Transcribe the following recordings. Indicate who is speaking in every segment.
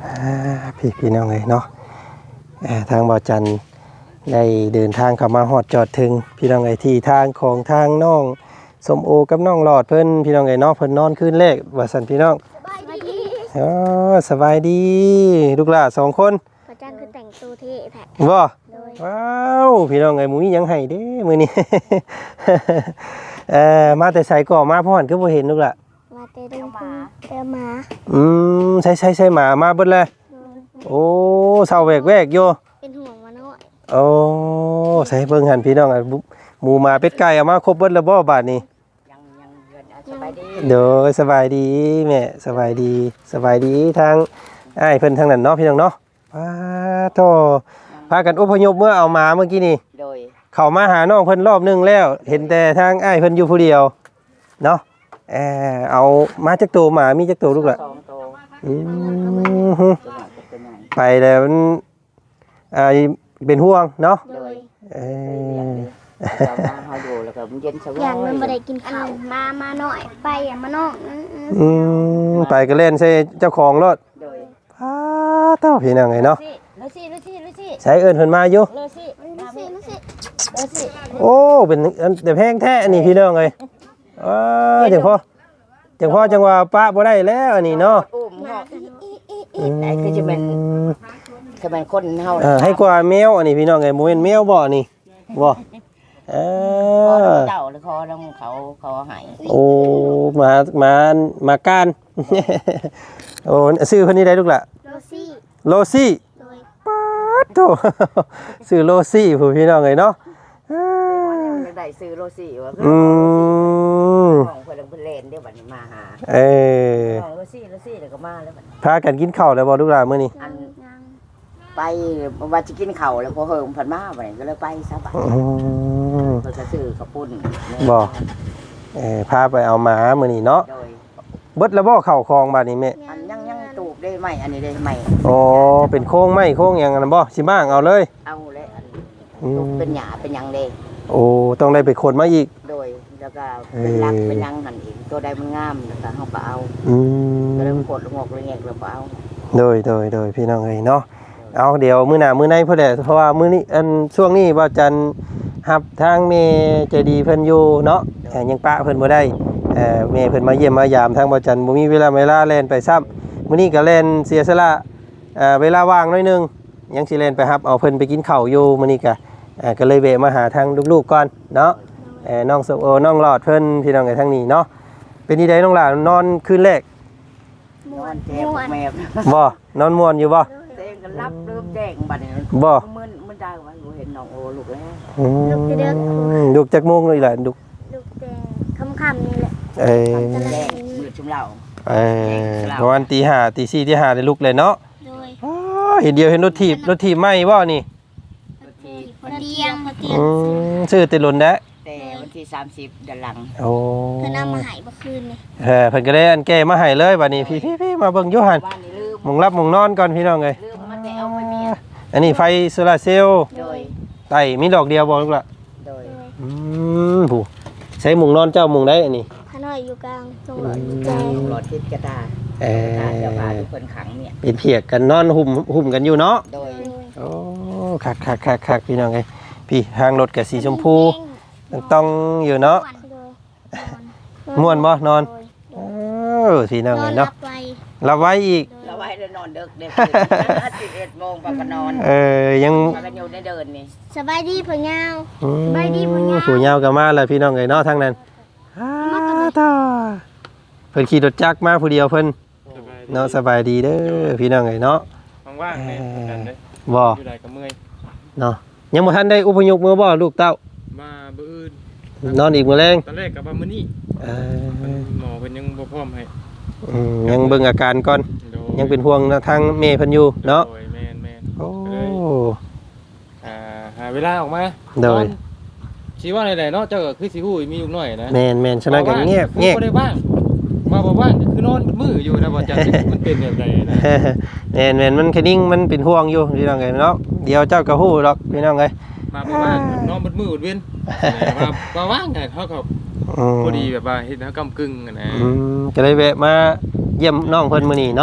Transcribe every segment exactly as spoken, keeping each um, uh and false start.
Speaker 1: พี่พี่น้องเลยเนาะทางบ่อจันได้เดินทางเข้ามาฮอดจอดถึงพี่น้องเลยที่ทางของทางน้องสมโอกับน้องหลอดเพิ่นพี่น้องเลยเนาะเพิ่นนอนคืนแรกว่าซั่นพี่น้อง
Speaker 2: สบายดี
Speaker 1: อ๋อสบายดีลูกหลานสองคน
Speaker 2: บ่จันคือแต่งตัวเท่แท้
Speaker 1: บ่ว้าวพี่น้องเอ้ยหมูมีหยังให้เด้มื้อนี้ เอ่อมาแต่ไสก่อมาพ่อหันคือบ่เห็นลูกล่ะ
Speaker 2: มาแต่เดินหมาเดินหมา
Speaker 1: อืมใช่ๆๆหมามาเบิดเลยโอ้เซาแวกๆอยู่
Speaker 2: เป็นห่วงมาน้อย
Speaker 1: โอ้ใส่เบิ่งหันพี่น้องอ่ะหมูหมาเป็ดไก่เอามาครบเบิดแล้วบ่บาดนี้
Speaker 3: ยังยังเงินสบายดี
Speaker 1: เด้อสบายดีแม่สบายดีสบายดีทางอ้ายเพิ่นทางนั้นเนาะพี่น้องเนาะว้าโธ่พากันอพยพเมื่อเอาหมาเมื่อกี้นี่
Speaker 3: โดย
Speaker 1: เข้ามาหาน้องเพิ่นรอบนึงแล้วเห็นแต่ทางอ้ายเพิ่นอยู่ผู้เดียวเนาะเออเอามาจักตัวหมามีจักตัวลูกล่ะ
Speaker 3: สองตัว
Speaker 1: อือไปแล้วมันอ่าเป็นห่วงเนาะ
Speaker 3: โดย
Speaker 1: เออ
Speaker 3: เรามาเฮาอยู่แล้วก็เย็นสบาย
Speaker 2: อย่างมันบ่ได้กินข้าวมามาหน่อยไปอ่ะมาน้อง
Speaker 1: อืมไปก็เล่นใส่เจ้าของรถ
Speaker 3: โดย
Speaker 1: พาเต้าพี่น้องไงเนาะ
Speaker 3: ลูซี่ลูซี่ลูซี่
Speaker 1: ใช้เอิ้นเพิ่นมาอยู่
Speaker 3: ลูซี่ลูซี่ลูซี่ลูซี่
Speaker 1: โอ้เป็นแต่แพงแท้นี่พี่น้องเอ้ยเออจังพ่อจังพ่อจังว่าป้าบ่ได้แล้วอันนี้เนาะ
Speaker 3: อุ้มเฮาไอ้คือจะเป็นจะเป็นคนเฮา
Speaker 1: เออให้กว่าแมวอันนี้พี่น้องเอ้ยบ่แม่นแมวบ่นี่บ่เออ
Speaker 3: เจ้าหรือคอน้องเขาเขาให้
Speaker 1: โอ้มามามาการโอ้ชื่อเพิ่นนี่ได้ลูกล่ะ
Speaker 2: โรซี่
Speaker 1: โลซี่ป๊าดโตชื่อโลซี่ผู้พี่น้องเอ้ยเนาะ
Speaker 3: ได้ซื้อโรซี่ว่า
Speaker 1: อืม
Speaker 3: ของเพิ่นเพิ่นเล่นเดี๋ยวบัดนี้มาหา
Speaker 1: เออ
Speaker 3: ของโรซี่โรซี่เดี๋ยวก็มาแล้วบัด
Speaker 1: พากันกินข้าวแล้วบ่ลูกหลานมื้อนี้
Speaker 3: อันไปว่าจะกินข้าวแล้วพอเฮิมเพิ่นมาบัดนี้ก็เลยไปซะบัด
Speaker 1: อืม
Speaker 3: เพิ่นก็ซื้อข้าวปุ้น
Speaker 1: บ่เออพาไปเอาหมามื้อนี้เนาะ
Speaker 3: โดย
Speaker 1: เบิดแล้วบ่เข้าคลองบัดนี้แม่
Speaker 3: อันยังยังตูบได้ไหมอันนี้ได้ไหม
Speaker 1: อ๋อเป็นโค้งไม้โค้งหยังนั่นบ่สิบ้างเอาเลย
Speaker 3: เอาเลยอันตูบเป็นหญ้าเป็นหยังเด้
Speaker 1: โอ้ต้องได้ไปขนมาอีก
Speaker 3: โดยแล้วก็เป็นรักเป็นหยังหั่นอีกตัวใดมันงามแล้วก็เฮาก็เอา
Speaker 1: อืม
Speaker 3: ก็เลยกดงอกเลยแงกแล้วก็เอา
Speaker 1: โดยโดยโดยพี่น้องเอ้ยเนาะเอาเดี๋ยวมื้อหน้ามื้อในพุ่นแหละเพราะว่ามื้อนี้อันช่วงนี้บ่จันรับทางแม่ใจดีเพิ่นอยู่เนาะยังปะเพิ่นบ่ได้เอ่อแม่เพิ่นมาเยี่ยมมายามทางบ่จันบ่มีเวลาเวลาแล่นไปซ้ำมื้อนี้ก็แล่นเสียสละเอ่อเวลาว่างหน่อยนึงยังสิแล่นไปรับเอาเพิ่นไปกินข้าวอยู่มื้อนี้ก็เอ่อก็เลยแวะมาหาทางลูกๆก่อนเนาะเอ่อน้องสมโอน้องหลอดเพิ่นพี่น้องไอ้ทางนี้เนาะเป็นที่ใดน้องหลานนอนคืนแรก
Speaker 3: นอนแจ่มแม่
Speaker 1: บ่นอนม่วนอยู่บ่
Speaker 3: เต้นกันรับลืมแจ้งบัดนี้
Speaker 1: บ่
Speaker 3: มึนมึนได้ว่าเห็นน้องโอลูกแล้ว
Speaker 1: อืมลูกจักโมงเลยล่ะลูก
Speaker 2: ลูกแต่ค่ำๆนี่แหละ
Speaker 1: เอ้ย
Speaker 3: แจ้งมืดชุมเหล่า
Speaker 1: เอ้ยประมาณตีห้าตีสี่ตีห้าได้ลุกเลยเนาะ
Speaker 2: โดย
Speaker 1: อ๋อเห็นเดียวเห็นรถถีบรถถีบไหม้บ่นี่
Speaker 2: พอเตียงพอเตียง
Speaker 1: อืมซื้อแต่ล้นแล้ว
Speaker 3: แต่วันที่สามสิบเดือนหลัง
Speaker 1: โอ้
Speaker 2: เพิ่นเอามาให้เมื่อคืนนี่
Speaker 1: เออเพิ่นก็ได้อันแก้มาให้เลยบัดนี้พี่ๆๆมาเบิ่งอยู่หั่นหม่องรับหม่องนอนก่อนพี่น้องเอ้ย
Speaker 3: ลืมมันแต่เอาไปเมีย
Speaker 1: อันนี้ไฟโซลาร์เซลล์
Speaker 3: โดย
Speaker 1: ไต้มีดอกเดียวบ่ลูกล่ะ
Speaker 3: โดย
Speaker 1: อืมผู้ใช้หม่องนอนเจ้าหม่องใดอันนี้
Speaker 2: พาน้อยอยู่กลางตรงหลอดแจ
Speaker 3: หลอดทิศกระดาษ
Speaker 1: เออ
Speaker 3: เจ้าพาทุกคนขังเนี่ย
Speaker 1: เป็นเพียกกันนอนหุ่มหุ่มกันอยู่เนาะ
Speaker 3: โดย
Speaker 1: โอ้คักๆๆๆพี่น้องเอ้ยพี่ทางรถก็สีชมพูต้องอยู่เนาะม่วนบ่นอนเออพี่น้องเอ้ยเนาะรับไว้อีก
Speaker 3: รับไว้ได้นอนดึกได้สิบเอ็ดโมงก็นอน
Speaker 1: เออยัง
Speaker 3: กันอยู่ได้เดินนี่
Speaker 2: สบายดีพ่อยาว
Speaker 1: สบายดีพ่อยาวผู้ยาวก็มาแล้วพี่น้องเอ้ยเนาะทางนั้นตาเพิ่นขี่รถจักรมาผู้เดียวเพิ่นเนาะสบายดีเด้อพี่น้องเอ้ยเนาะ
Speaker 4: ว่างๆนี่กันเด้
Speaker 1: อบ่
Speaker 4: อยู่ได้ก็เมื่อย
Speaker 1: เนาะยังบ่ทันได้อุปยกมือบ่ลูกเต้า
Speaker 4: มามื้ออื่น
Speaker 1: นอนอีกมื้อแลง
Speaker 4: ตอนแรกก็ว่ามื้อนี้
Speaker 1: เออ
Speaker 4: หมอเพิ่นยังบ่พร้อมให้
Speaker 1: อืมยังเบิ่งอาการก่อนยังเป็นห่วงทางแม่เพิ่นอยู่เนาะ
Speaker 4: โดยแม่นๆ
Speaker 1: โอ้
Speaker 4: อ่าหาเวลาออกมา
Speaker 1: โดย
Speaker 4: สิว่าได้ๆเนาะเจ้าก็คือสิฮู้มีลูกน้อยนะ
Speaker 1: แม่นๆฉะนั้นก็เงียบ
Speaker 4: เงียบบ่ได้ว่างมาบ่ว่างคือนอนมืออยู่นะบ่จักมันเป็นแบบใดนะ
Speaker 1: แม่นๆมันคดิ้งมันเป็นห่วงอยู่พี่น้องเอ้ยเนาะเดี๋ยวเจ้าก็ฮู้ดอกพี่น้องเอ้ย
Speaker 4: มาบ่ว่างนอนบนมือบ่เว้นมาบ่ว่างไงเฮาก็พอดีแบบว่าเฮ็ดเฮากำกึ่งนะ
Speaker 1: อืมก็เลยแวะมาเยี่ยมน้องเพิ่นมื้อนี้เนาะ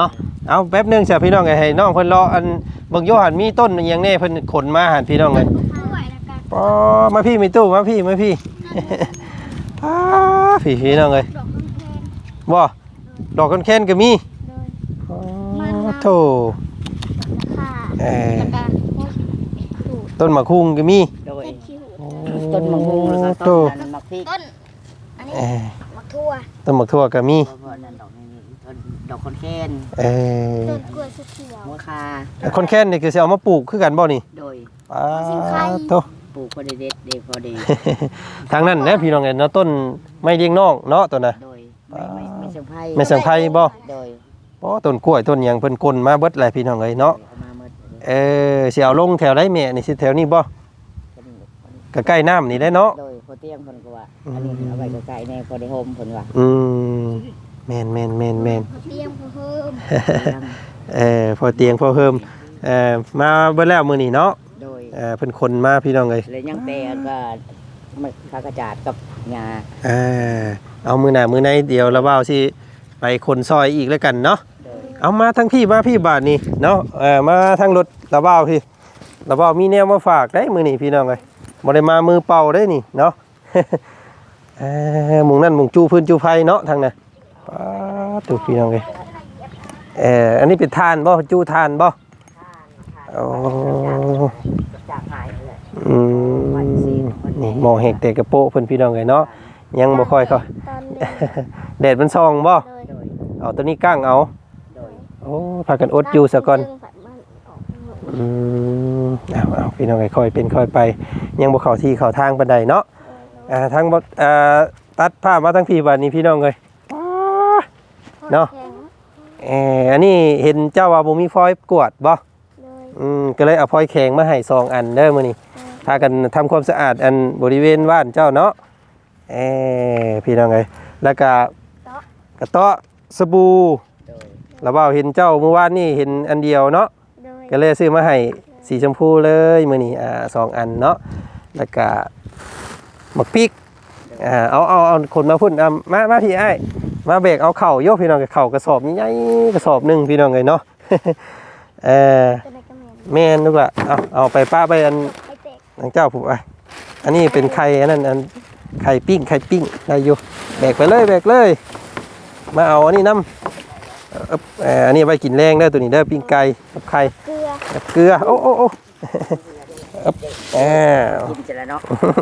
Speaker 1: เอาแป๊บหนึงเสียพี่น้องไงให้น้องเพิ่นรออันเบิ่งโยหันมีต้นอหยังแน่เพิ่นขนมาหันพี่น้องไง
Speaker 2: ด้วยแล้วกัน
Speaker 1: ปอมาพี่มีตู้มาพี่มาพี่ อ้าพี่พี่น้องเอ้ย
Speaker 2: ดอกข้างแทน
Speaker 1: บ่ดอกคนแค้นก็มี
Speaker 2: โดย
Speaker 1: อ๋อ
Speaker 2: มันน่ะ
Speaker 1: โธ่
Speaker 2: ค่ะ
Speaker 1: เอ่อ
Speaker 2: แล้วกันดูด
Speaker 1: ต้นมะคุงก็มี
Speaker 3: โดย
Speaker 2: เฮ็ดขี้หู
Speaker 3: ต้นมะม่วงแล้วก็
Speaker 1: โธ่
Speaker 3: ต้นนั้นมะพริก
Speaker 2: ต้นอันนี้
Speaker 1: เอ่อ
Speaker 2: มะทั่ว
Speaker 1: ต้นมะทั่วก็มี
Speaker 3: เพราะว่านั่นดอกนี้ต้นดอกคอนแคน
Speaker 1: เอ่อ
Speaker 2: ต้นกล้วยสุเขียว
Speaker 3: หัวคา
Speaker 1: คนแค้นนี่คือสิเอามาปลูกคือกันบ่นี่
Speaker 3: โดย
Speaker 1: ป้า
Speaker 2: สิงไข่
Speaker 1: โธ่
Speaker 3: ปลูกพอดีเด็ดเด็ดพอดี
Speaker 1: ทางนั้นนะพี่น้องเอ้ยเนาะต้นไม้เลี้ยงนอกเนาะตัวน่ะ
Speaker 3: โดยไม่ไม่ไม่เชิงไผ่
Speaker 1: แม่สังไพบ่
Speaker 3: โดย
Speaker 1: อ๋อต้นกล้วยต้นหยังเพิ่นกลนมาเบิดแหละพี่น้องเอ้ยเนาะ
Speaker 3: เอามาเมื่อ
Speaker 1: เออสิเอาลงแถวใดแม่นี่สิแถวนี้บ่ก็ใกล้น้ำนี่ได้เนาะ
Speaker 3: โดยพอเตียงเพิ่นก็ว่าอันนี้เอาไว้ใกล้ๆในพอได้โฮมเพิ่นว่า
Speaker 1: อืมแม่นแม่นแม่นแม่น
Speaker 2: เตรียมเพิ่ม
Speaker 1: เออพอเตียงพอเพิ่มเอ่อมาเบิดแล้วมื้อนี้เนาะ
Speaker 3: โดย
Speaker 1: เอ่อเพิ่นคนมาพี่น้องเอ้ย
Speaker 3: เลยยังแต่ก็มันพากระจาดกับงา
Speaker 1: เออเอามื้อหน้ามื้อไหนเดี๋ยวละเว้าสิไปคนซอยอีกแล้วกันเนาะ
Speaker 3: โดย
Speaker 1: เอามาทั้งพี่มาพี่บาทนี่เนาะเออมาทั้งรถละเว้าพี่ละเว้ามีแนวมาฝากได้มื้อนี้พี่น้องเอ้ยบ่ได้มามือเปล่าได้นี่เนาะ เออหมุงนั่นหมุงจูพื้นจูไฟเนาะทางน่ะป๊าดตุพี่น้องเอ้ยเอออันนี้เป็นทานบ่จูทานบ่โอ้
Speaker 3: จากหายเลย
Speaker 1: อืมนี่หมอเห็กแต่กระโปะเพิ่นพี่น้องเอ้ยเนาะยังบ่ค่อยเข้า
Speaker 2: ตอนเด็ก
Speaker 1: แดดมันส่องบ่
Speaker 2: เลย
Speaker 3: โดย
Speaker 1: เอาตัวนี้ก้างเอา
Speaker 3: โดย
Speaker 1: โอ้พากันอดอยู่ซะก่อน
Speaker 2: เรื่องผัดมันออกหมด
Speaker 1: อืมเอาเอาพี่น้องค่อยๆเป็นค่อยไป ยังบ่เข้าที่เข้าทางปานใดเนาะอ่าทางบ่อ่าตัดภาพมาทั้งพี่บัดนี้พี่น้องเอ้ยป๊าด เนาะ
Speaker 2: แข็ง
Speaker 1: เอออันนี้เห็นเจ้าว่าบ่มีฟอยล์กวาดบ่
Speaker 2: เลย
Speaker 1: อืมก็เลยเอาฟอยล์แข็งมาให้สองอันเด้อมื้อนี้พากันทำความสะอาดอันบริเวณบ้านเจ้าเนาะเออพี่น้องเอ้ยแล้วก็กระเตาะสบู่
Speaker 3: โดย
Speaker 1: แล้วเว้าเห็นเจ้าเมื่อวานนี่เห็นอันเดียวเนาะ
Speaker 2: เลย
Speaker 1: ก็เลยซื้อมาให้สีชมพูเลยมื้อนี้อ่าสองอันเนาะแล้วก็หมักพริกอ่าเอาเอาเอาคนมาพุ่นอ่ะมามาพี่อ้ายมาเบรกเอาเข่าโยกพี่น้องกับเข่ากระสอบใหญ่ๆกระสอบหนึงพี่น้องเลยเนาะ เออ
Speaker 2: จะได้กระเหม็น
Speaker 1: แม่นลูกละเอาเอาไปป้าไปอัน
Speaker 2: ไอเตก
Speaker 1: ทางเจ้าผมอ่ะอันนี้เป็นไข่อันนั้นอันไข่ปิ้งไข่ปิ้งได้อยู่แบกไปเลยแบกเลย มาเอาอันนี้น้ำเอ่อเอ่ออันนี้ไว้กินแรงได้อตัวนี้ได้อปิ้งไก่กับไข่
Speaker 2: เกลือ
Speaker 1: กับเกลือโอ้โอ้โอ้อึ๊บอ้าว
Speaker 3: กินจะแล้วเนาะ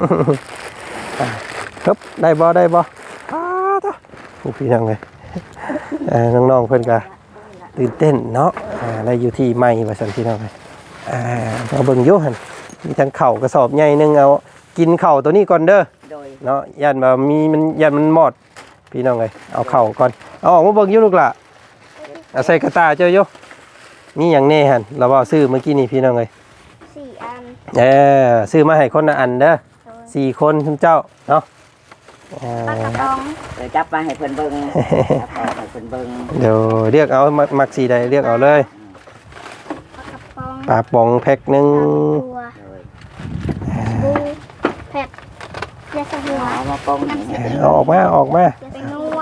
Speaker 1: ครับได้บ่ได้บ่อ้าวตะผู้พี่น้องเลยเอ่อน้องๆเพิ่นก็ตื่นเต้นเนาะอ่าได้อยู่ที่ใหม่ว่าซั่นพี่น้องเลยอ่าเอาเบิ่งอยู่หั่นมีทั้งข้าวกระสอบใหญ่หนึงเอากินข้าวตัวนี้ก่อนเด้อ
Speaker 3: โดย
Speaker 1: เนาะยันว่ามีมันยันมันหมดพี่น้องเลยเอาข้าวก่อนเอาออกมาเบิ่งอยู่ลูกล่ะเอาใส่กระตาเจ้าอยู่มีหยังแน่หั่นเราว่าซื้อเมื่อกี้นี่พี่น้องเลย
Speaker 2: สี่อัน
Speaker 1: เออซื้อมาให้คนละอันเด้อ
Speaker 2: โดย
Speaker 1: สี่คนคุณเจ้าเนาะเอ่
Speaker 2: ปลาก
Speaker 1: อ
Speaker 2: ระป๋อง
Speaker 3: เดี๋ยวจับมาให้เพิ่นเบิ่งจับเอาให้เพิ่นเบิ่ง
Speaker 1: เดี๋ยวเรียกเอามักมักสีใดเรียกเอาเลย
Speaker 2: ปลากระป๋อง
Speaker 1: ปลาป๋องแพ็คหนึ่ง
Speaker 2: ตัว
Speaker 3: โดย
Speaker 2: บูเผ็ดยาสหัว
Speaker 3: เอามาปองนี่ให้
Speaker 1: เอาออกมาออกมา
Speaker 2: ยาสนัว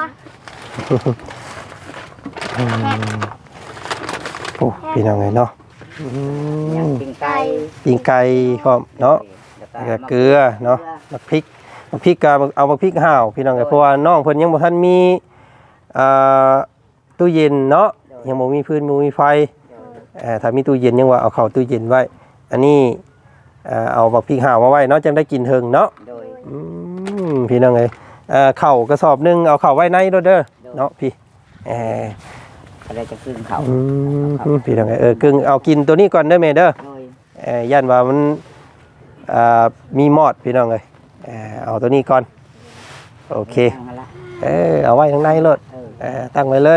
Speaker 1: อืมโอ้พี่น้องเลยเนาะอื
Speaker 3: ยัง
Speaker 1: ม
Speaker 3: ปิ้งไก่
Speaker 1: ปิ้งไก่พร้อมเนาะ แล้วก็เกลือเนาะมักพริกมักพริกก็เอามักพริกห่าวพี่น้องเอ้ยเพราะว่าน้องเพิ่นยังบ่ทันมีอ่าตู้เย็นเนาะยังบ่มีพื้นบ่มีไฟเอ่อถ้ามีตู้เย็นยังว่าเอาเข้าตู้เย็นไว้ อันนี้เอ่อเอามักพริกห่าวมาไว้เนาะจังได้กินเทิงเนาะ
Speaker 3: โดย
Speaker 1: อืมพี่น้องเอ้ยเอ่อข้าวกระสอบหนึงเอาเข้าไว้ในเด้อเด้อเนาะพี่เอ่อ
Speaker 3: อะไรจะขึ้นเขา
Speaker 1: อืมพี่น้องเอ้ยเออกึ่งเอากินตัวนี้ก่อนเด้อแม่เด้อ
Speaker 3: โดย
Speaker 1: เอ่อย่านว่ามันอ่ามีมอดพี่น้องเลยเอ่อเอาตัวนี้ก่อนโอเค
Speaker 3: ตั้งมาละ
Speaker 1: เออเอาไว้ข้างในรถ
Speaker 3: เออ
Speaker 1: เอ่อตั้งไว้เลย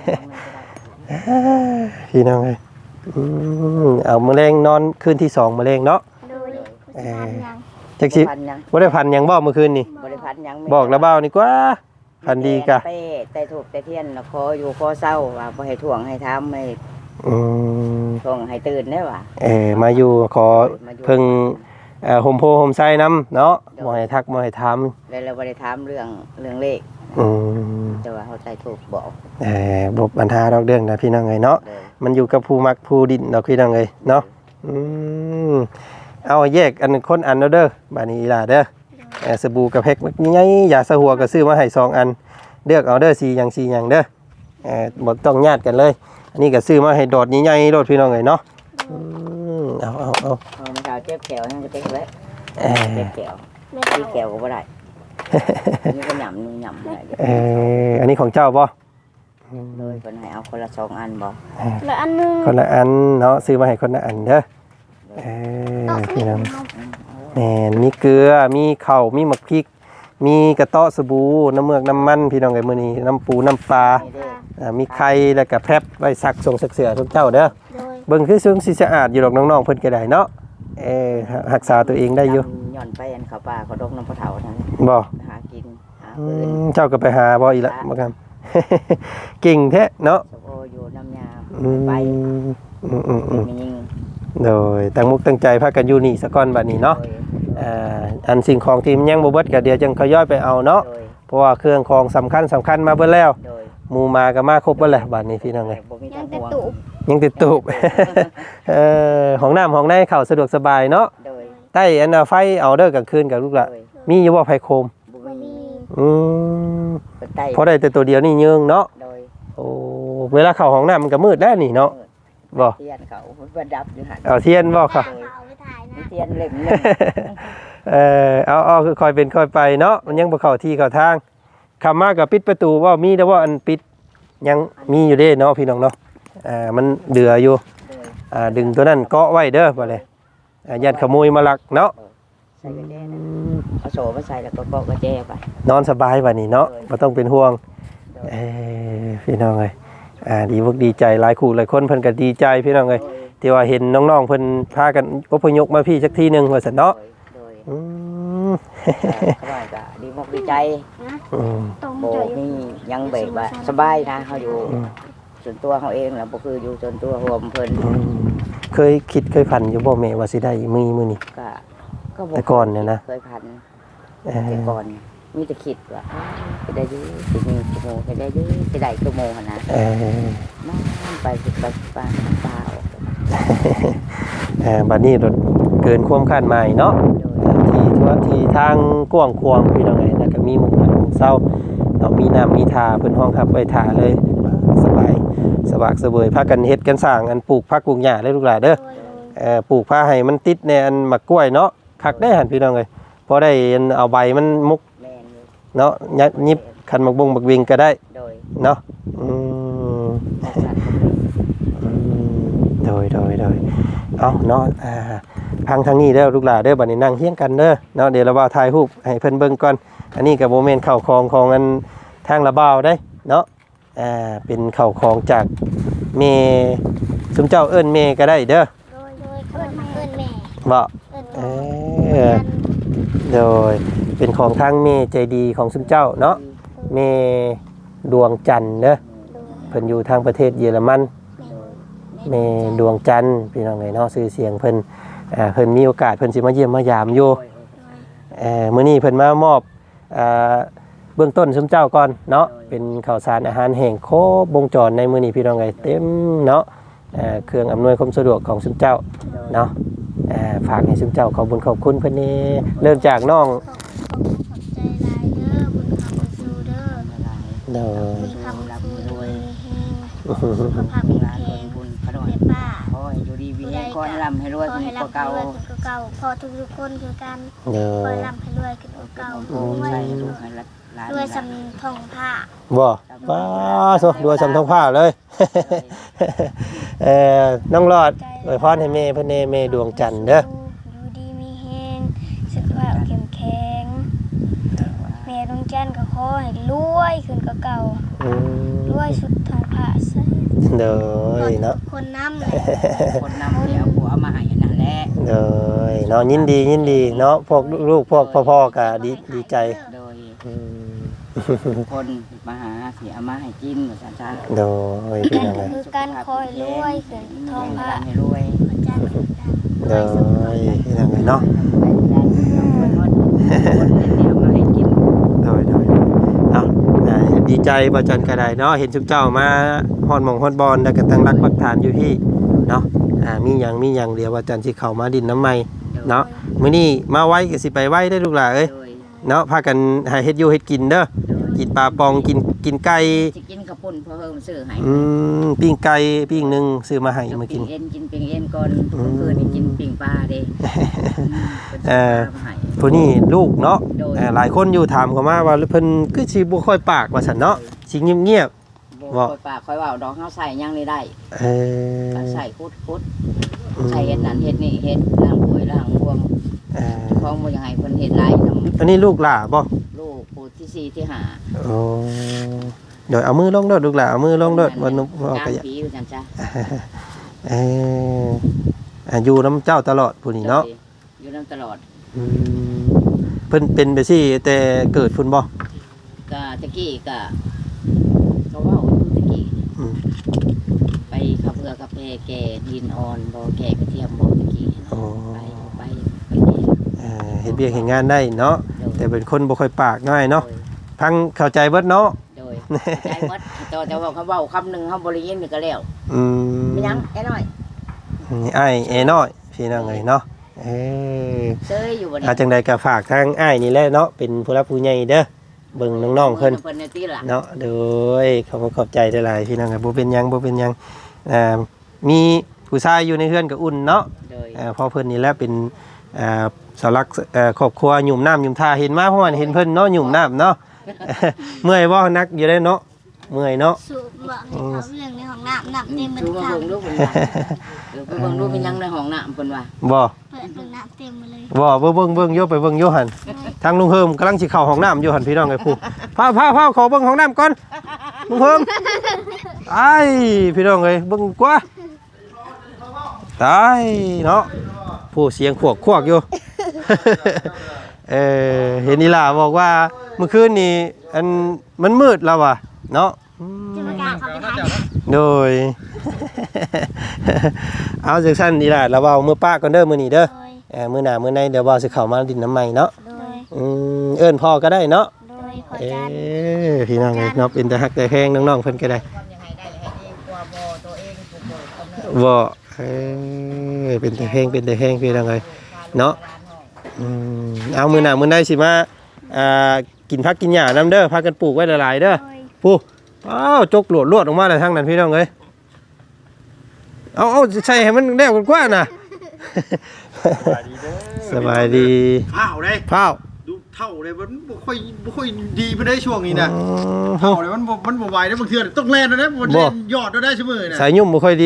Speaker 1: พี่น้องเลยอืมเอาแมลงนอนคืนที่สองแมลงเนาะ
Speaker 2: โดยผู้จัดการยัง
Speaker 1: จักสิ
Speaker 3: พันยัง
Speaker 1: บ่ได้พันหยังบ่เมื่อคืนนี่
Speaker 3: บริพันธ์ยัง
Speaker 1: บอกแล้วเบ้านี่กว่าพันดีกะ
Speaker 3: เต้แต่ถูกแต่เทียนแล้วขออยู่ขอเศร้าว่าบ่ให้ถ่วงให้ทำให้
Speaker 1: อืม
Speaker 3: ถ่วงให้ตื่นได้ว่ะ
Speaker 1: เออมาอยู่ขอเพิ่งเอ่อโฮมโพโฮมไซน้ำเนาะบ่ให้ทักบ่ให้ถาม
Speaker 3: แล้วเราบ่ได้ถามเรื่องเรื่องเลข
Speaker 1: อืม
Speaker 3: แต่ว่าเขาใจถูกบอก
Speaker 1: เอ่อบ่ปัญหาดอกเรื่องนะพี่น้องเอ้ยเนาะ
Speaker 3: เลย
Speaker 1: มันอยู่กับผู้มักผู้ดินดอกพี่น้องเอ้ยเนาะอืมเอาแยกอันคนอันเอาเด้อบัดนี้ล่ะเด้อเอ่อสบู่กับเพ็กใหญ่ๆยาสะหัวก็ซื้อมาให้สองอันเลือกเอาเด้อสีหยังสีหยังเด้อเอ่อบ่ต้องญาติกันเลยอันนี้ก็ซื้อมาให้ดอดใหญ่ๆโดดพี่น้องเอ้ยเนาะอืมเอาเอาเอา
Speaker 3: เอามาเอาเจ็บแขวนั่นก็เจ็บไว้
Speaker 1: เอ่อ
Speaker 3: เจ็บแขว
Speaker 2: ไม่
Speaker 3: ที่
Speaker 2: เอา
Speaker 3: แขวก็บ่ได้นี่ก็หยำนี่หยำได้
Speaker 1: เอ่ออันนี้ของเจ้าบ่
Speaker 3: เลยคนให้เอาคนละสองอันบ่
Speaker 2: แล้วอันหนึง
Speaker 1: คนละอันเนาะซื้อมาให้คนละอันเด้อเออ
Speaker 2: ต้อง
Speaker 1: พี่น้อง
Speaker 2: เอา
Speaker 1: แหม่มีเกลือมีข้าวมีหมักพริก มีกระเตาะสบู่น้ำเมือกน้ำมันพี่น้องไอ้มื้อนี้น้ำปูน้ำปลา
Speaker 3: นี่เด้อ
Speaker 1: อ่ามีไข่แล้วก็แพรบไว้ซักส่งซักเสื้อทุกเจ้าเด้อ
Speaker 2: โดย
Speaker 1: เบิ่งคือซึ่งสิสะอาดอยู่ดอกน้องๆเพิ่นก็ได้เนาะเออรักษาตัวเองได้อยู่
Speaker 3: ย่อนไปอันเขาป่าเขาดกน้ำพะเถาทั้ง
Speaker 1: บ่
Speaker 3: หากินหา
Speaker 1: อื
Speaker 3: ปืน
Speaker 1: มเจ้าก็ไปหาบ่อีกละบ่ครับ เก่งแท้เนาะ
Speaker 3: สโออยู่น้ำยา
Speaker 1: อืม
Speaker 3: ไป
Speaker 1: อืมอืมอืม
Speaker 3: มียิง
Speaker 1: โดยตั้งมุกตั้งใจพากันอยู่นี่ซะก่อนบัดนี้เนาะ
Speaker 3: โดย
Speaker 1: อ่าอันสิ่งของที่มันยังบ่เบิดก็เดี๋ยวจังเขาย่อยไปเอาเนาะ
Speaker 3: โดย
Speaker 1: เพราะว่าเครื่องของสำคัญสำคัญมาเบิดแล้ว
Speaker 3: โดย
Speaker 1: หมู่มาก็มาครบเบิดแล้วบัดนี้พี่น้องเอ้ย
Speaker 3: บ่มี
Speaker 2: ยั
Speaker 3: ทาง ง
Speaker 2: แต่
Speaker 3: ห่วง
Speaker 2: ตูบ
Speaker 1: ยังติดตูบ เอ่อห้องน้ำห้องในเข้าสะดวกสบายเนาะ
Speaker 3: โดย
Speaker 1: ใต้อันน่ะไฟเอาเด้อกลางคืนกับลูกละ
Speaker 3: โดย
Speaker 1: มีอยู่บ่ไฟโคม
Speaker 3: บ่
Speaker 2: บ่
Speaker 3: มี
Speaker 2: มี
Speaker 1: อืม
Speaker 3: เปิดไต้
Speaker 1: พอได้แต่ตัวเดียวนี่ยืงเนาะ
Speaker 3: โดย
Speaker 1: โอ้เวลาเข้าห้องน้ำมันก็มืดแล้วนี่เนาะบ่
Speaker 3: เทียนเขาประดับอยู่หั่น
Speaker 1: เอาเทียนบ่ครับ
Speaker 2: เอาไปถ่าย
Speaker 3: มี
Speaker 2: นะ
Speaker 3: เทียนเล่มหนึง
Speaker 1: เออเอาเอาคือคอยเป็นคอยไปเนาะมันยังบ่เข้าที่เข้าทางคำมาก็ปิดประตูว่ามีแต่ว่าอันปิดยังมีอยู่เด้เนาะพี่น้องเนาะอ่ามันเดืออยู่
Speaker 3: โดย
Speaker 1: อ่าดึงตัวนั้นเกาะไว้เด้อบ่เลยอ่ายันขโมยมาลักเนาะ
Speaker 3: ใส่กระแจนะเอาโซ่มาใส่แล้วก็เกาะกระแจไป
Speaker 1: นอนสบายบัดนี้เนาะบ่ต้องเป็นห่วง
Speaker 3: โดย
Speaker 1: เอ้ยพี่น้องเอ้ยอ่าดีพวกดีใจหลายคู่หลายคนเพิ่นก็ดีใจพี่น้องเอ้ย
Speaker 3: โดย
Speaker 1: ที่ว่าเห็นน้องๆเพิ่นพากันอพยพมาพี่สักทีหนึงว่าซั่นเนาะ
Speaker 3: โดย
Speaker 1: อืม
Speaker 3: เขาว่าก็ดีมากดีใจ
Speaker 2: นะ
Speaker 1: อืม
Speaker 2: ตรง
Speaker 3: โบ
Speaker 2: ใจ
Speaker 3: นี่ยังแบบว่าสบายนะเขาอยู่
Speaker 1: อืม
Speaker 3: ส่วนตัวเขาเองแหละบ่คืออยู่ส่วนตัวรวมเพิ่น
Speaker 1: อืมเคยคิดเคยฝันอยู่บ่แม่ว่าสิได้มีมื้อนี้
Speaker 3: ก็ก็บ่
Speaker 1: แต่ก่อนเนี่ยนะ
Speaker 3: เคยพัน
Speaker 1: เอ
Speaker 3: แต่
Speaker 1: อ
Speaker 3: ก่อนมีแต่คิดว่าจะได้อยืสิมีชั่วโมงจะได้อยืจะได้ชั่วโมงหั่นนะ
Speaker 1: เออ
Speaker 3: มาไปสิไปสิไปเปล่า
Speaker 1: เออบัดนี้รถเกินความคาดหมายเนาะ
Speaker 3: โดย
Speaker 1: ที่ทั่วที่ทางกว้างขวางพี่น้องเอ้ยแล้วก็มีหมู่บ้านหมู่เซาเนาะมีน้ำมีทาเพิ่นห้องรับไว้ทาเลยสบายสบากสบายพากันเฮ็ดกันสร้างอันปลูกผักปลูกหญ้าเลยลูกหลานเด้อ
Speaker 2: โดย
Speaker 1: เอ่อปลูกผ้าให้มันติดในอันหมักกล้วยเนาะคักได้หันพี่น้องเอ้ยพอได้อันเอาใบมันมุก
Speaker 3: แม่นอยู่
Speaker 1: เนาะยัดยิบคันหมักบงหมักวิงก็ได้
Speaker 3: โดย
Speaker 1: เนาะอืม
Speaker 3: ออกสัตว์ก็มี
Speaker 1: อืมโดยโดยโดยเอาเนาะอ่าพังทางนี้เด้อลูกหลานเด้อบัดนี้นั่งเฮียงกันเด้อเนาะเดี๋ยวเราบ่าวถ่ายรูปให้เพิ่นเบิ่งก่อนอันนี้ก็บ่แม่นข้าวของของอันทางระบ่าวได้เนาะอ่าเป็นข้าวของจากเมซุมเจ้าเอิ้นเมก็ได้เด้อ
Speaker 2: โดยโดยเอิ้นเอิ้นแม่
Speaker 1: บ่
Speaker 2: เอิ้น
Speaker 1: เอ
Speaker 2: พ่อ
Speaker 1: อโดยเป็นของทางเมใจดีของซุมเจ้าเนาะเมดวงจันทร์เด้อ
Speaker 2: โดย
Speaker 1: เพิ่นอยู่ทางประเทศเยอรมันเมดวงจันทร์พี่น้องเอ้ยเนาะชื่อเสียงเพิ่นอ่าเพิ่นมีโอกาสเพิ่นสิมาเยี่ยมมายามอยู่
Speaker 3: โดย
Speaker 1: เอ่อมื้อนี้เพิ่นมามอบอ่าเบื้องต้นซุมเจ้าก่อนเนาะเป็นข้าวสารอาหารแห้งครบวงจรในมื้อนี้พี่น้องเอ้ยเต็มเนาะเอ่อเครื่องอำนวยความสะดวกของซุมเจ้าเนาะเอ่อฝากให้ซุมเจ้าขอบคุญขอบคุณเพิ่นนี่เริ่มจากน้อง
Speaker 2: ขอบขอบใจหลายเด้อบุญคำบุญสู้เด้อ
Speaker 1: เด้อ
Speaker 2: บุญคำบุญสู้รวยแห้ง
Speaker 1: อื้อหือ
Speaker 2: สุขภาพแข็ง
Speaker 3: ร้าน
Speaker 2: แร
Speaker 3: คน
Speaker 2: ง
Speaker 3: บุญขนม
Speaker 2: แม่ป้า
Speaker 3: โอ้ยอยู่ดีมีแรงก้อนลำให้รวย
Speaker 2: ขอ
Speaker 3: มี
Speaker 2: ให้
Speaker 3: กว่า
Speaker 2: ร่ำ
Speaker 3: เก่า
Speaker 2: ให้รวยขึ้นกว่าเก่าพอทุกๆคนคือกัน
Speaker 1: เด้อ
Speaker 2: ขอให้ร่ำให้รวยขึ้นกว่าเก่า
Speaker 3: โอ้ยใส่ลูกให้ร้าน
Speaker 2: รวยสำทองผ้า
Speaker 1: บ่ป้าโซดูสำทองผ้าเลย เอ่อน้องรอดอวยพรให้แม่เพิ่นแน่แม่ดวงจันทร์เด้อ
Speaker 2: อยู่ดีมีแห้งสุขภาพเข้มแข็งแม่ดวงจันทร์ก็ขอให้รวยขึ้นกว่าเก่า
Speaker 1: อืม
Speaker 2: รวยสุดทองผ้าใส่
Speaker 1: เด้อเนาะ
Speaker 2: คนน้ำเลย
Speaker 3: คนนำเดี๋ยวผัวมาให้นั่นแหละ
Speaker 1: เด้อเนาะยินดียินดีเนาะพวกลูกพวกพ่อๆก็ดีดีใจ
Speaker 3: โดย
Speaker 1: อืม
Speaker 3: คนมาหาเสียมาให้กินเหมือนกันจ้า
Speaker 1: เด้อพี่น้อง
Speaker 2: ก็
Speaker 1: เอ้ย
Speaker 2: คือการคอยรวยขึ้นทองผ้า
Speaker 3: ให้รวย
Speaker 2: พระจันทร์
Speaker 1: เด้อพี่น้องเอ้ยเนาะ
Speaker 3: คนเดียวมาให้กิน
Speaker 1: โดยโดยเอาอ่าใจบ่จันก็ได้เนาะเห็นชุมเจ้ามาฮอดหม่องฮอดบอนแล้วก็ตั้งรักปักฐานอยู่พี่เนาะอ่ามีหยังมีหยังเดี๋ยวว่าจันสิเข้ามาดินน้ำใหม่เนาะมื้อนี้มาไว้ก็สิไปไว้ได้ลูกหล่ะเอ้ย
Speaker 3: โดย
Speaker 1: เนาะพากันหาเฮ็ดอยู่เฮ็ดกินเด้อกินปลาปองกินกินไก่
Speaker 3: สิกินกระปุ่นพอเฮิมซื้อให้
Speaker 1: อืมปิ้งไก่ปิ้งหนึงซื้อมาให้มากิน
Speaker 3: ปิ้งเอ็นกินปิ้งเอ็นก่อนเมื่อคืนนี่กินปิ้งปลาเด้
Speaker 1: เอ่อ ผู้นี้ลูกเนาะเอ่อหลายคนอยู่ถามเขามาว่าเพิ่นคือสิบ่ค่อยปากว่าซั่นเนาะสิเงียบ
Speaker 3: บ่ค่อยปากค่อยเว้าดอกเฮาใส่ยังนี่ได้
Speaker 1: ๆเออ
Speaker 3: ใส่คุดคุดใส่เฮ็ดนั่นเฮ็ดนี่เฮ็ดล้างถ้วยล้างบวง
Speaker 1: เออ
Speaker 3: ของบ่อยังให้เพิ่นเฮ็ดหลายนำ
Speaker 1: อันนี้ลูกหล่าบ่
Speaker 3: ลูกผู้ที่สี่ที่ห้า
Speaker 1: โอ้เดี๋ยวเอามือลงเด้อลูกหล่าเอามือลงเด้อบ่นุบ่
Speaker 3: กลาง
Speaker 1: ก็อย่า
Speaker 3: ปีอยู่จังจ้ะ
Speaker 1: เอออ่าอยู่นํเจ้าตลอดผู้นี้เนาะ
Speaker 3: อยู่นํตลอด
Speaker 1: อืมเพิ่นเป็นไปซี่แต่เกิดพุ่นบ่
Speaker 3: ก็ตะกี้ก็ก็เว้าอยู่ตะกี้
Speaker 1: อืม
Speaker 3: ไปขับเรือกับแพแก่ดินอ่อนบ่แก่กระเทียมบ่ตะกี้
Speaker 1: โอ้
Speaker 3: ไปไปไปแก่
Speaker 1: เอ่อเฮ็ดเวียกเฮ็ดงานได้เนาะแต่เป็นคนบ่ค่อยปากน้อยเนาะพังเข้าใจเบิดเนาะ
Speaker 3: โดยใจหมดแต่แต่ว่าเขาเว้าคำหนึงเฮาบ่ได้ยินนี่ก็แล้ว
Speaker 1: อืม
Speaker 3: ไม่ยังไอ้น้อย
Speaker 1: นี่อ้ายเอน้อยพี่น้องเอ้ยเนาะเออ
Speaker 3: เซยอยู่บ่นี่
Speaker 1: อาจังใดก็ฝากทางอ้ายนี่แหละเนาะเป็นผู้รับผู้ใหญ่เด้อเบิ่งน้องๆเพิ่น
Speaker 3: เพิ่นในตีล่ะ
Speaker 1: เนาะโดยขอบคุณขอบใจหลายๆพี่น้องครับบ่เป็นหยังบ่เป็นหยังอ่ามีผู้ชายอยู่ในเฮือนก็อุ่นเนาะ
Speaker 3: โดย
Speaker 1: อ่าเพอเพิ่นนี่แหละเป็นอ่าเสาหลักเอ่อครอบครัวหยุ่มน้ำหยุ่มท่าเห็นมาเพราะว่าเห็นเพิ่นเนาะหยุ่มน้ำเนาะ เมื่อยบ่นักอยู่ได้เนาะเมื่อยเนาะ
Speaker 2: สูบบอกให้เขาเรื่องในห้องน้ำน้ำเต็มเหมือน
Speaker 3: ดูมา
Speaker 2: เขา
Speaker 3: เบิ่งดูเพิ่นว่าเดี๋ยวไปเบิ่งดูเป็นยังในห้องน้ำเพิ่นว่า
Speaker 1: บ่
Speaker 2: เปิดเบิ่งน้ำเต็มมาเลย
Speaker 1: บ่เบิ่งเบิ่งเบิ่งโยไปเบิ่งโยหันทางลุงเฮิมกำลังสิเข้าห้องน้ำอยู่หันพี่น้องไอ้ผู้พาพาพาขอเบิ่งห้องน้ำก่อนลุงเฮิมไอ้พี่น้องเอ้ยเบิ่งกว่าตายเนาะผู้เสียงขวกขวกอยู่ เออเห็นนี่ล่ะบอกว่าเมื่อคืนนี้อันมันมืดแล้วว่ะเนาะอืม
Speaker 2: จะประกาศเขาไปทาง
Speaker 1: โดย เอาจากสั้นนี่ล่ะเราเว้ามื้อป้าก่อนเด้อมื้อนี้เด้อ
Speaker 2: โดย
Speaker 1: เออมื้อหน้ามื้อในเดี๋ยวเว้าสิเข้ามาดินน้ำใหม่เนาะ
Speaker 2: โดย
Speaker 1: อืมเอิ้นพ่อก็ได้เนาะ
Speaker 2: โดยขอ
Speaker 1: เอ้
Speaker 2: จาน
Speaker 1: พี่น้องเอ้ยเนาะเป็นแต่ฮักแต่แพงน้องๆเพิ่นก็ได้
Speaker 3: ทำยังไงได้ให้เองตัวบ่ตัวเองผู้บ่กำเนิด
Speaker 1: บ่เอ้ยเป็นแต่แพงเป็นแต่แพงพี่น้องเอ้ยเนาะอืมเอามื้อหน้ามื้อในสิมาอ่ากินผักกินหญ้านํเด้อพากันปลูกไว้หลายๆเด้อ
Speaker 2: โดย
Speaker 1: ผู้อ้าวจกหลวดลวดออกมาเลยทางนั้นพี่น้องเอ้ยเอาเอาใส่ให้มันแนวกันกว่าน่ะ สบายดี
Speaker 5: เท่าเลย
Speaker 1: เผา
Speaker 5: ดูเท่าเลยมันบ่ค่อยบ่ค่อยดีไปได้ช่วงนี้นะ
Speaker 1: อืม
Speaker 5: เท่าเลยมันบ่มันบ่ไหวได้บางเทื่อต้องแล่นนะมันเล่นยอดได้เสมอนะ
Speaker 1: สายยุ่มบ่ค่อยดี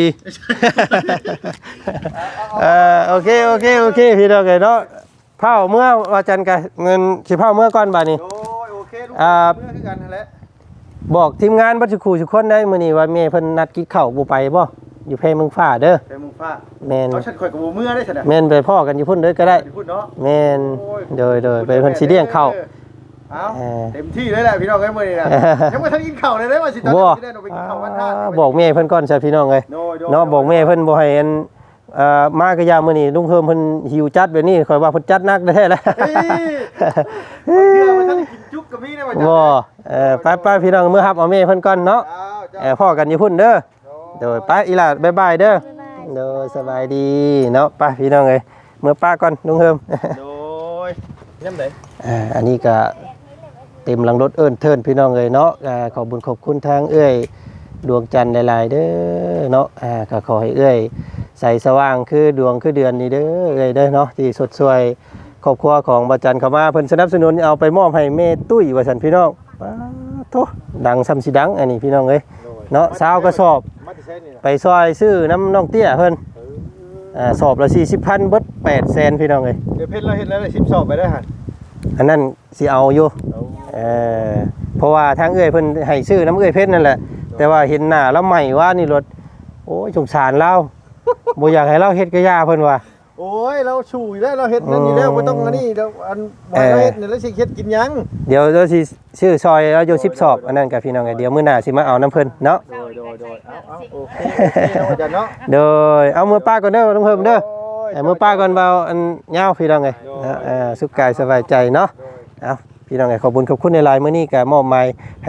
Speaker 1: เอ่อโอเคโอเคโอเคพี่น้องเอ้ยเนาะเผาเมื่อว่าจันทร์กะเงินสิเผาเมื่อก่อนบัดนี้
Speaker 5: โอ้ยโอเคลูก
Speaker 1: อ่า
Speaker 5: เมื่อคือกันนั่นแหละ
Speaker 1: บอกทีมงานบัดสุขูทุกคนได้มื้อนี้ว่าแม่เพิ่นนัดกินข้าวบ่ไปบ่อยู่เพเมืองฟ้าเด้อ
Speaker 5: ไปมุงฟ้า
Speaker 1: แม่น
Speaker 5: เอาฉันข่อยกับบ่เมื่อได้ซั่นน่ะ
Speaker 1: แม่นไปพ่อกันอยู่พุ่นเด้อก็ได้
Speaker 5: สิพูดเนาะ
Speaker 1: แม่นโดยโดยไปเพิ่นสิเลี้ยงข้าว
Speaker 5: เอา
Speaker 1: เออ
Speaker 5: เต็มที่เลยแหละพี่น้องเอ้ยมื้อนี้นะยังบ่ทันกินข้าวเลยเด้ว่าสิตอน
Speaker 1: บ่
Speaker 5: นี้สิได้เอาไปกินข้าววันทาส
Speaker 1: บอกแม่เพิ่นก่อนใช่พี่น้องเอ้ย
Speaker 5: โดยโดย
Speaker 1: เนาะบอกแม่เพิ่นบ่ให้อันเอ่อมากะยามมื้อนี้ลุงเพิ่มเพิ่นหิวจัดแบบนี้ข่อยว่าเพิ่นจัดหนักแท้ๆแล้ว
Speaker 5: เฮ้ยบางเทื่อมันทันได้กินจุกกับมีได้ว่าจัง
Speaker 1: บ่เออไปๆพี่น้องมื้อรับเอาแม่เพิ่นก่อนเนาะ
Speaker 5: เจ้า
Speaker 1: เออพ่อกันอยู่พุ่นเด้อโดยไปอีหล่ะบ๊ายบายเด้อโดยสบายดีเนาะไปพี่น้องเอ้ยมื้อป้าก่อนลุงเพิ่ม
Speaker 5: โดยยังได
Speaker 1: อ่าอันนี้ก็เต็มหลังรถเอิ้นเทินพี่น้องเอ้ยเนาะอ่าขอบคุญขอบคุณทางเอ้ยดวงจันทร์หลายๆเด้อเนาะอ่าก็ขอให้เอ้ยใสสว่างคือดวงคือเดือนนี่เด้อเอ้ยเด้อเนาะที่สดสวยครอบครัวของบ่จันทร์เข้ามาเพิ่นสนับสนุนเอาไปมอบให้แม่ตุ้ยว่าซั่นพี่น้องป๊าโธดังซ้ำสิดังอันนี้พี่น้องเอ้ยเนาะสาวกระสอบ
Speaker 5: มาที่ใช้นี่นะ
Speaker 1: ไปซอยซื้อน้ำน้องเตี้ยเพิ่นอ่าสอบละสี่สิบพันเบิดแปดแสนพี่น้องเอ้ย
Speaker 5: เดี๋ยวเพชรเราเห็นแล้วได้สิบสอบไปได้หั่น
Speaker 1: อันนั้นสิเอาอยู่เออเพราะว่าทางเอ้ยเพิ่นให้ซื้อน้ำเอ้ยเพชรนั่นแหละแต่ว่าเห็นหน้าแล้วใหม่ว่านี่รถโอ้ยสงสารเราบ่อยากให้เราเฮ็ดกะยาเพิ่นว่า
Speaker 5: โอ้ยเราชูอยู่แล้วเราเฮ็ดนั่นอยู่แล้วบ่ต้องอันนี้เดี๋ยวอันบ่ให้เราเฮ็ดนี่แล้วสิเฮ็ดกินหยัง
Speaker 1: เดี๋ยวเราสิซื้อซอยแล้วอยู่สิบสอบอันนั้นกับพี่น้องเอ้ยเดี๋ยวมื้อหน้าสิมาเอาน้ำเพิ่นเนาะ
Speaker 5: โดยโดยโดยเอาเอาโอเคโอเคเนาะอาจารย์เนาะ
Speaker 1: โดยเอามือป้าก่อนเด้อลุงเพิ่มเด้อเอามือป้าก่อนเบาอันยาวพี่น้องเอ้ยนะเอ่อสุขกายสบายใจเนาะเอาพี่น้องเอ้ยขอบคุณขอบคุณในไลน์มื้อนี้ก็มอบหมายให้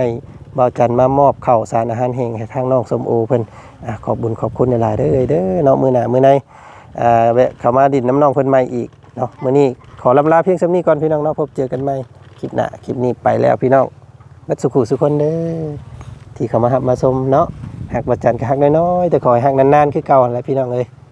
Speaker 1: บ่าวจันมามอบข้าวสารอาหารแห้งให้ทางน้องส้มโอเพิ่นอ่ะขอบบุญขอบคุณหลายๆเด้อเด้อเนาะมื้อหน้ามื้อในอ่าแวะเข้ามาดินน้ำน้องเพิ่นใหม่อีกเนาะมื้อนี้ขอลำลาเพียงส่ำนี้ก่อนพี่น้องเนาะพบเจอกันใหม่คลิปหน้าคลิปนี้ไปแล้วพี่น้องบัดสุขุสุคนเด้อที่เข้ามารับมาชมเนาะหักบ่าวจันก็หักน้อยๆแต่ขอให้หักนานๆคือเก่าหั่นแหละพี่น้องเอ้ย